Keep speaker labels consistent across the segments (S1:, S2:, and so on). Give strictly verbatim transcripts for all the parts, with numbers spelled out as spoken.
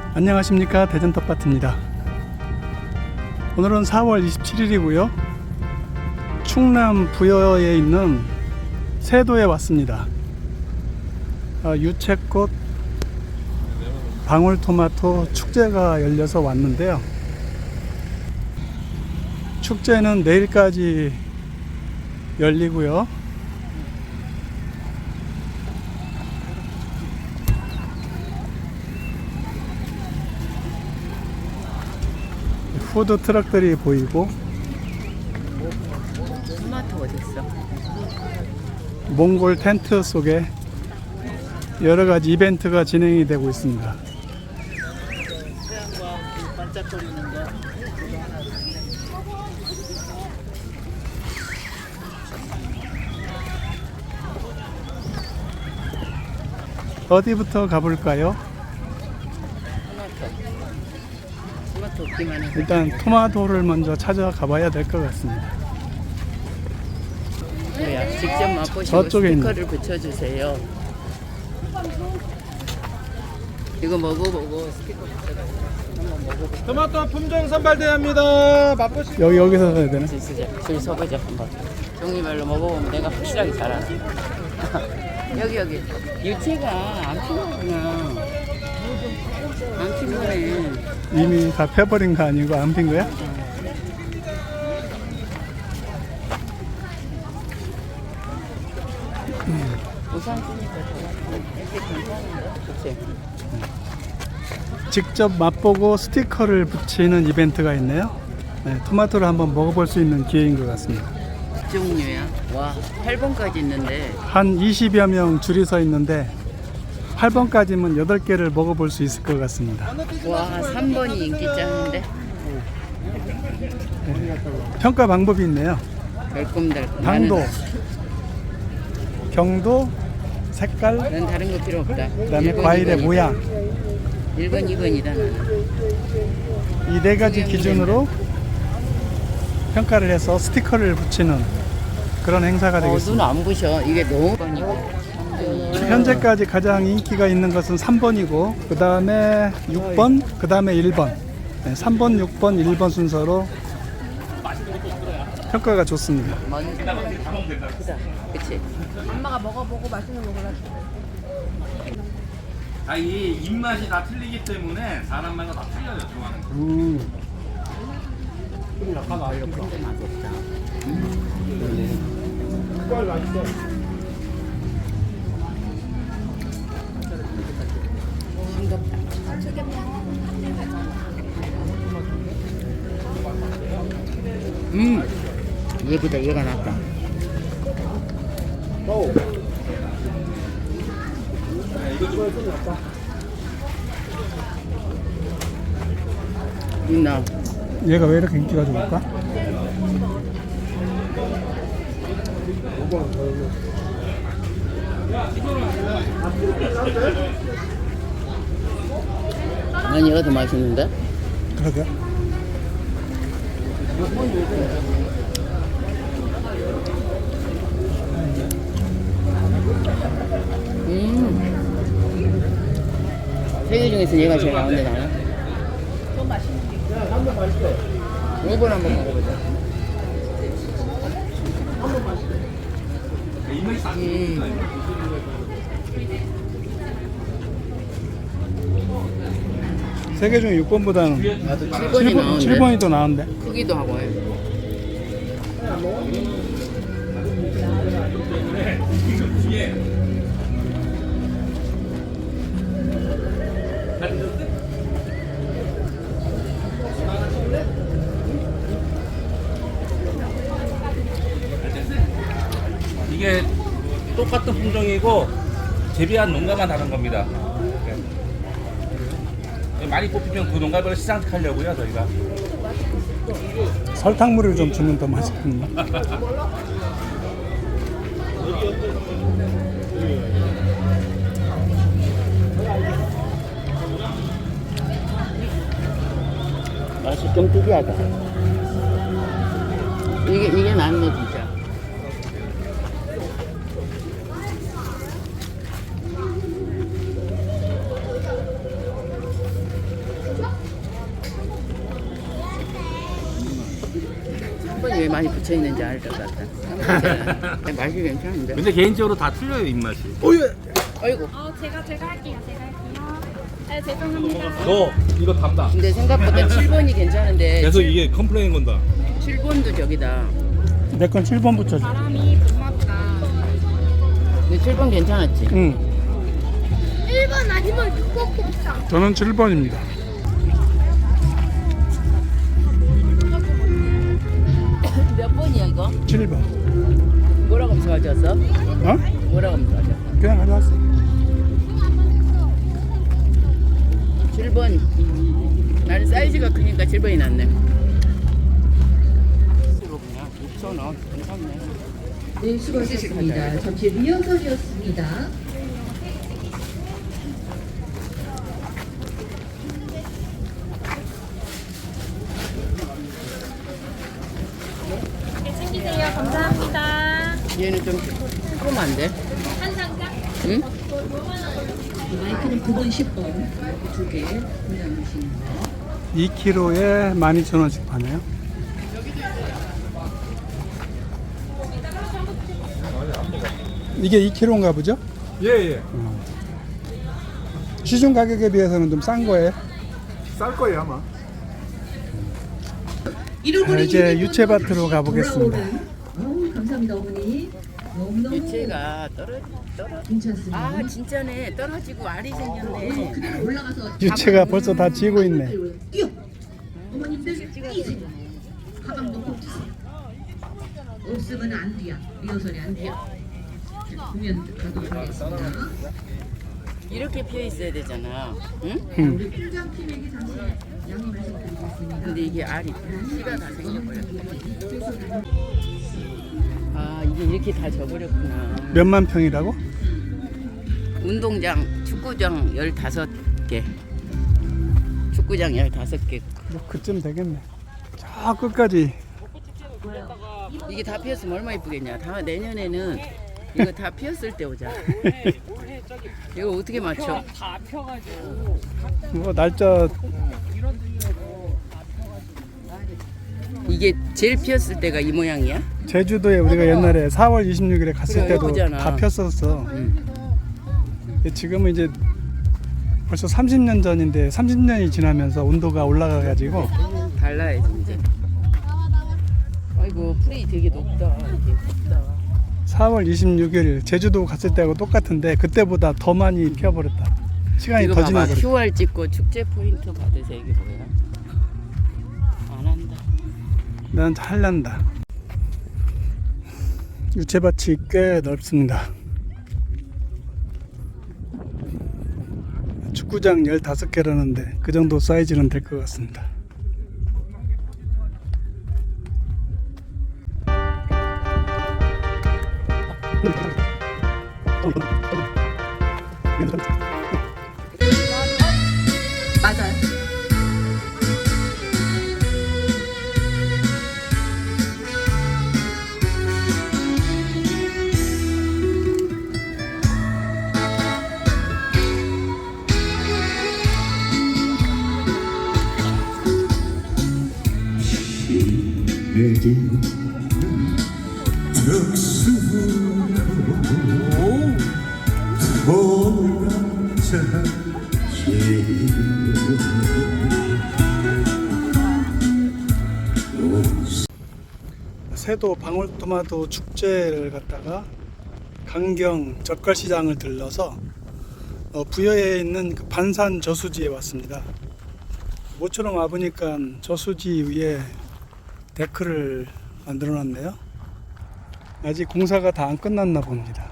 S1: 안녕하십니까, 대전텃밭입니다. 오늘은 사월 이십칠일이고요 충남 부여에 있는 세도에 왔습니다. 아, 유채꽃 방울토마토 축제가 열려서 왔는데요, 축제는 내일까지 열리고요, 푸드 트럭들이 보이고
S2: 토마토 어딨어?
S1: 몽골 텐트 속에 여러가지 이벤트가 진행이 되고 있습니다.
S2: 태양과 반짝거리는 거.
S1: 어디부터 가볼까요?
S2: 토마토. 토마토 없기만 해서.
S1: 일단 토마토를 먼저 찾아가 봐야 될 것 같습니다.
S2: 뭐야? 직접 맛보시고
S1: 저쪽에
S2: 스티커를 붙여주세요. 이거 먹어보고 스티커 붙여가지고 한번 먹어보고.
S3: 토마토 품종 선발대회입니다. 맛보시.
S1: 여기 여기서 해야 되나?
S2: 줄 서자. 줄 서보자 한번. 종류별로 먹어보면 내가 확실하게 잘 알아. 여기 여기. 유채가 안 피는구나. 안 피네.
S1: 이미 다 펴버린 거 아니고 안 핀 거야?
S2: 우산 쓰니까 이렇게 괜찮은데? 그치?
S1: 직접 맛보고 스티커를 붙이는 이벤트가 있네요. 네, 토마토를 한번 먹어볼 수 있는 기회인 것 같습니다.
S2: 종류야? 와, 팔 번까지 있는데.
S1: 한 이십여 명 줄이 서 있는데 팔 번까지면 여덟 개를 먹어볼 수 있을 것 같습니다.
S2: 와, 삼 번이 인기 짱인데?
S1: 평가 방법이 있네요.
S2: 달콤달콤.
S1: 당도,
S2: 나는,
S1: 경도, 색깔,
S2: 난 다른 거 필요 없다.
S1: 그다음에
S2: 일 번,
S1: 과일의
S2: 이 번이다.
S1: 모양,
S2: 일 번, 이 번이다 나는.
S1: 이 네 가지 기준으로 평가를 해서 스티커를 붙이는 그런 행사가
S2: 어, 눈
S1: 되겠습니다.
S2: 안 부셔. 이게 너무 번이고.
S1: 현재까지 가장 인기가 있는 것은 삼 번이고 그 다음에 육 번, 그 다음에 일 번, 네, 삼 번, 육 번, 일 번 순서로 평가가 좋습니다.
S2: 먼 크다. 그치?
S4: 엄마가 먹어보고 맛있는 거 골라줘.
S3: 아, 이 입맛이 다 틀리기 때문에 사람마다 다 틀려요, 좋아하는 거.
S1: 음.
S2: 별로 그렇게 맛없다. 싱겁다. 음, 얘보다 얘가 낫다. 음, 나.
S1: 얘가 왜 이렇게 인기가 좋을까?
S2: 난 얘가 더 맛있는데?
S1: 그러게.
S2: 음. 세 개 중에서 얘가 제일 나은데 나는. 더 맛있는 게. 한번 맛있대. 이번 한번 먹어보자. 음.
S1: 세 개 중에 육 번보다는
S2: 나도 칠 번이 나은데.
S1: 칠 번이 더 나은데.
S2: 크기도 하고 해.
S3: 이게 똑같은 품종이고 재배한 농가만 다른 겁니다. 네. 많이 뽑히면 그 농가별로 시상하려고요, 저희가.
S1: 설탕물을 좀 주면 더 맛있겠네.
S2: 맛이 좀 특이하다. 이게 이게 낫네 진짜. 많이 붙여 있는지 알 것 같다. 맛이 괜찮은데.
S3: 근데 개인적으로 다 틀려요 입맛이.
S2: 아이고.
S4: 어, 제가 제가 할게요. 제가 할게요. 네, 죄송합니다.
S3: 너 이거 답다.
S2: 근데 생각보다 칠 번이 괜찮은데
S3: 계속 이게 컴플레인 건다.
S2: 칠 번도 저기다.
S1: 내 건 칠 번 붙여줘.
S4: 바람이 고맙다.
S2: 근데 칠 번 괜찮았지?
S1: 응.
S4: 일 번 아니면 육 번 곱창.
S1: 저는 칠 번입니다.
S2: 몇 번이야 이거?
S1: 칠 번.
S2: 뭐라고 하면서 가져왔어?
S1: 어?
S2: 뭐라고 하면서 가져왔어?
S1: 그냥 가져왔어.
S2: 칠 번. 나는 사이즈가 크니까 칠 번이 낫네. 그냥 육천 원. 괜찮네.
S5: 네, 수고하셨습니다. 잠시 리허설이었습니다.
S4: 네, 챙기세요. 감사합니다.
S2: 얘는 좀 조그만데?
S4: 한 상자?
S2: 응?
S5: 마이크는 구 번, 십 번 두 개 분양하시는 거.
S1: 이 킬로그램에 만 이천 원씩 파네요. 이게 이 킬로그램인가 보죠?
S3: 예 예.
S1: 시중 가격에 비해서는 좀 싼 거예요.
S3: 쌀 거예요 아마.
S1: 자, 이제 유채밭으로 가보겠습니다.
S5: 어우, 감사합니다, 어머니. 너무너무
S2: 유채가 떨어 떨어.
S5: 괜찮습니다.
S2: 아 진짜네. 떨어지고 알이 생겼네.
S5: 그대로 올라가서
S1: 유채가 벌써 다 지고 있네.
S5: 뛰어. 어머님들 뛰세요. 가방도 꼭 뛰세요. 없으면 안 뛰어. 리허설이 안 뛰어. 자, 공연 가도록 하겠습니다.
S2: 이렇게 피어 있어야 되잖아. 응?
S1: 음.
S5: 우리 팀장팀에게 잠시 양해 말씀드리겠습니다.
S2: 근데 이게 알이 씨가 다 생겨버렸다. 아 이게 이렇게 다 져버렸구나.
S1: 몇만 평이라고?
S2: 운동장, 축구장 열다섯 개. 축구장 열다섯 개.
S1: 뭐 그쯤 되겠네. 저 끝까지.
S2: 이게 다 피었으면 얼마 이쁘겠냐. 다 내년에는 이거 다 피었을 때 오자. 이거 어떻게 맞춰?
S1: 뭐 날짜
S2: 이게 제일 피었을 때가 이 모양이야?
S1: 제주도에 우리가 옛날에 사월 이십육일에 갔을
S2: 그래,
S1: 때도
S2: 예쁘잖아.
S1: 다 폈었어.
S2: 응.
S1: 근데 지금은 이제 벌써 삼십 년 전인데 삼십 년이 지나면서 온도가 올라가가지고
S2: 달라야지 이제. 아이고 풀이 되게 높다. 이게 높다.
S1: 사월 이십육일 제주도 갔을 때하고 똑같은데 그때보다 더 많이 피어버렸다. 시간이
S2: 이거
S1: 더
S2: 봐봐.
S1: 지나버렸다.
S2: 큐알 찍고 축제 포인트 받으세요. 이게 뭐야? 안 한다.
S1: 난 잘난다. 유채밭이 꽤 넓습니다. 축구장 열다섯 개라는데 그 정도 사이즈는 될 것 같습니다.
S5: 맞아요.
S1: 세도 방울토마토 축제를 갔다가 강경 젓갈시장을 들러서 어, 부여에 있는 그 반산 저수지에 왔습니다. 모처럼 와보니까 저수지 위에 데크를 만들어 놨네요. 아직 공사가 다 안 끝났나 봅니다.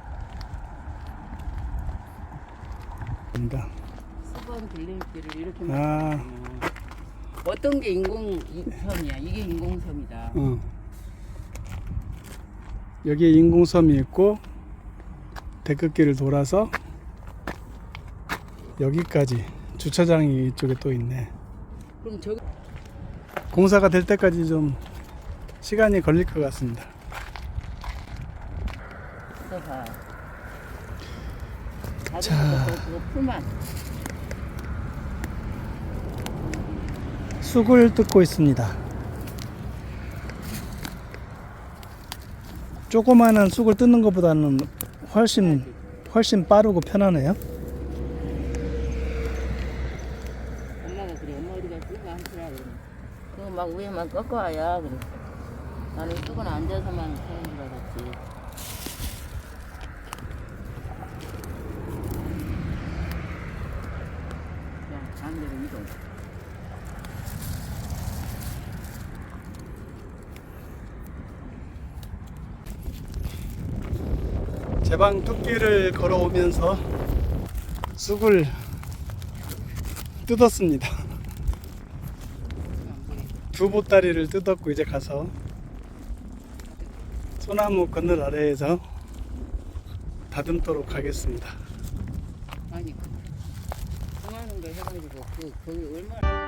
S2: 수번 빌림길을 이렇게
S1: 아.
S2: 만들었구나. 어떤 게 인공섬이야? 이게 인공섬이다.
S1: 어. 여기에 인공섬이 있고 데크길을 돌아서 여기까지 주차장이 이쪽에 또 있네.
S2: 그럼 저기
S1: 공사가 될 때까지 좀 시간이 걸릴 것 같습니다.
S2: 봐.
S1: 자.
S2: 그거 풀만.
S1: 쑥을 뜯고 있습니다. 조그마한 쑥을 뜯는 것보다는 훨씬 훨씬 빠르고 편하네요.
S2: 엄마가 그래. 엄마 어디 갔어? 많더라 그래. 그거 막 위에만 꺾어와야 그래. 나는 쑥은 앉아서만 하는 줄 알았지. 자, 반대로 이동.
S1: 제방 뚝길을 걸어오면서 쑥을 뜯었습니다. 두 보따리를 뜯었고 이제 가서 소나무 그늘 아래에서 다듬도록 하겠습니다.
S2: 아니, 그만한 거 해가지고 그 거기 얼마나.